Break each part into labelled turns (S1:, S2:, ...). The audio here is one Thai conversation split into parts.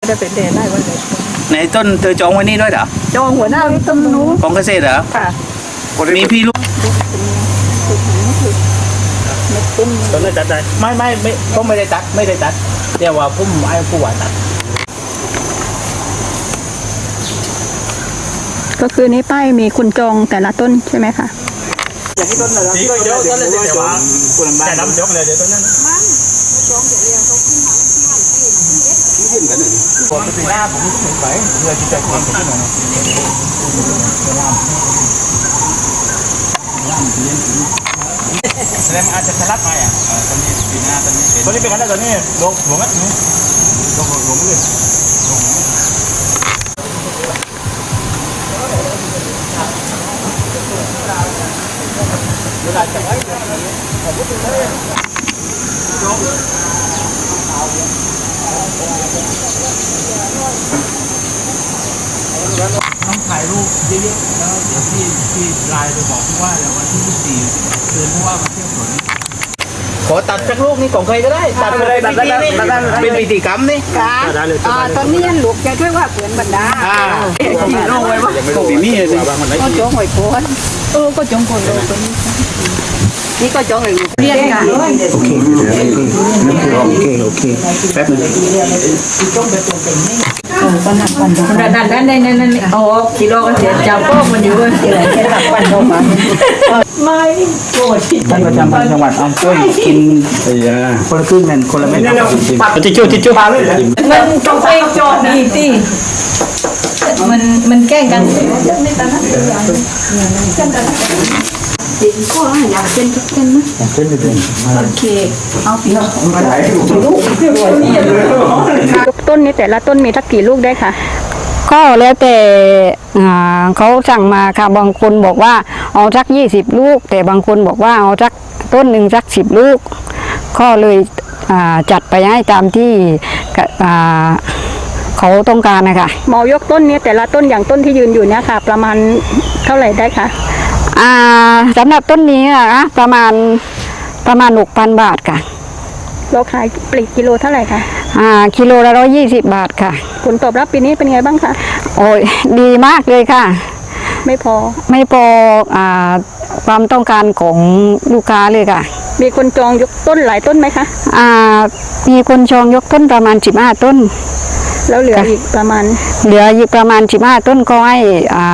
S1: จะเป็นเดือนได้วันไหน
S2: ในต้นเธอจองไว้นี่ด้วยเหรอ
S1: จองหัวหน้าต้นนู้น
S2: ของเกษตรเหรอ
S1: ค่ะ
S2: มีพี่ลูก
S3: ตอนนี้ตัดได้ไม่ผมไม่ได้ตัดเดี๋ยวว่าผมไอ้ผู้ว่าตัด
S4: ก็คือในป้ายมีคุณจองแต่ละต้นใช่ไหมคะ
S3: อย่างที่ต้นเลยนี่ก็เยอะต้นเลยเดี๋ยวว่าคุณบ้านแต่น้ำยกเลยเดี๋ยวต้นนั้นยื่นกันหนึ่งพอถึงหน้าผมถึงไปเพื่อที่จะความเป็นที่หนึ่งแสดงอาจจะสลัดมาตอนนี้ปีหน้าตอนนี้เป็นกันแล้วตอนนี้ลงหัวงัดนี่ลงเลยเวลาจะไว้ผมก็ถึงเลยต้องถ่ายรูปเยอะๆแล้วเดี๋ยวพี่ไลน์ไปบอกผู้ว่าเดี๋ยววันที่24เดือนผู้ว่ามาเที่ยวสวนขอตัดสักลูกนี่ของใครก็ได้ตัดไปเลยตัดได้เป็นพิธีกรรมนี่
S1: ค่ะตอนนี้ลูกจะช่วยว่าเปลี่ยนบรรดา
S3: ขี่น้องไว้ว่าปีนี้เลย
S1: ก็จงหอยโคนก็จงคนเลยคนนี้นี่ก็จงเลยเรียนกัน
S3: โอเคแป๊บนึง
S1: นั่นโอ้กิโลก็เสียจับพวกมันอยู่ที่ไหนแค่ตัดปั้นเข้ามาไม่โกรธ
S3: ท่านประจำจังหวัดเอาช่วยกินคนละครึ่งนั่นคนละเม็ดทิชชู่
S1: มันต้องไปโจทย์ดีสิมันแกล้งกันจริงก็อยากเป็นทุกคนนะ
S3: อยากเป็น
S1: โอเคเอาปีละ
S4: ต้นนี้แต่ละต้นมีสักกี่ลูกได้คะ
S5: ก็แล้วแต่เขาสั่งมาค่ะบางคนบอกว่าเอาสัก20ลูกแต่บางคนบอกว่าเอาสักต้นหนึ่งสัก10ลูกก็เลยจัดไปให้ตามที่เขาต้องการนะคะ
S4: หมอยกต้นนี้แต่ละต้นอย่างต้นที่ยืนอยู่เนี่ยค่ะประมาณเท่าไหร่ได้คะ
S5: สำหรับต้นนี้นะประมาณ 6,000 บาทค่ะ
S4: เราขายปลีกกิโลเท่าไหร่คะ
S5: กิโลละ120 บาทค่ะ
S4: ผลตอบรับปีนี้เป็นไงบ้างคะ
S5: โอ้ยดีมากเลยค่ะ
S4: ไม่พอ
S5: ความต้องการของลูกค้าเลยค่ะ
S4: มีคนจองยกต้นหลายต้นไหมคะ
S5: มีคนจองยกต้นประมาณ15ต้น
S4: แล้วเหลืออีกประมาณ
S5: 15ต้นก็ให้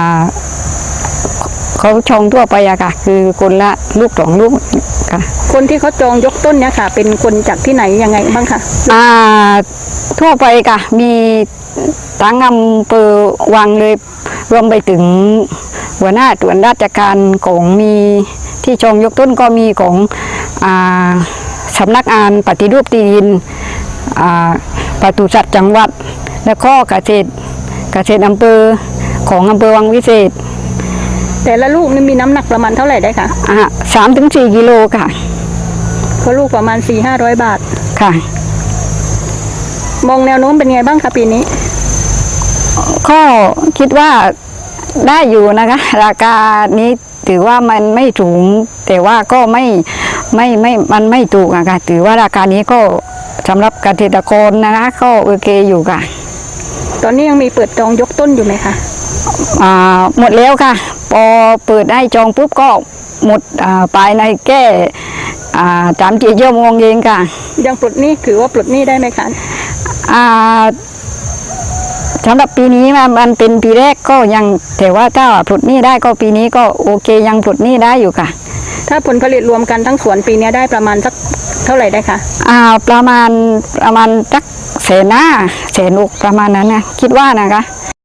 S5: เขาจองทั่วไปอะค่ะคือคนละลูก2ลูกค่ะ
S4: คนที่เขาจองยกต้นเนี่ยค่ะเป็นคนจากที่ไหนยังไงบ้างคะ
S5: ทั่วไปค่ะมีทั้งอำเภอวังเลยรวมไปถึงหัวหน้าส่วนราชการของมีที่จองยกต้นก็มีของสำนักงานปฏิรูปที่ดินปศุสัตว์จังหวัดและก็เกษตรอำเภอของอำเภอวังวิเศษ
S4: แต่ละลูกนี่มีน้ำหนักประมาณเท่าไหร่ได้คะ
S5: 3-4 กิโลค่ะ
S4: ก็ลูกประมาณ400-500 บาท
S5: ค่ะ
S4: มองแนวโน้มเป็นไงบ้างคะปีนี้
S5: ก็คิดว่าได้อยู่นะคะราคานี้ถือว่ามันไม่สูงแต่ว่าก็มันไม่ถูกอะค่ะถือว่าราคานี้ก็สำหรับเกษตรกรนะคะก็โอเคอยู่ค่ะ
S4: ตอนนี้ยังมีเปิดจองยกต้นอยู่ไหมคะ
S5: หมดแล้วค่ะพอเปิดให้จองปุ๊บก็หมดภายในแก้3-4 ชั่วโมงเองค่ะ
S4: ยังปลดหนี้ถือว่าปลดหนี้ได้ไหมคะ
S5: สำหรับปีนี้มันเป็นปีแรกก็ยังแต่ว่าถ้าปลดหนี้ได้ก็ปีนี้ก็โอเคยังปลดหนี้ได้อยู่ค่ะ
S4: ถ้าผลผลิตรวมกันทั้งสวนปีนี้ได้ประมาณสักเท่าไหร่ได้คะ
S5: ประมาณสัก150,000 160,000ประมาณนั้นนะคิดว่านะคะ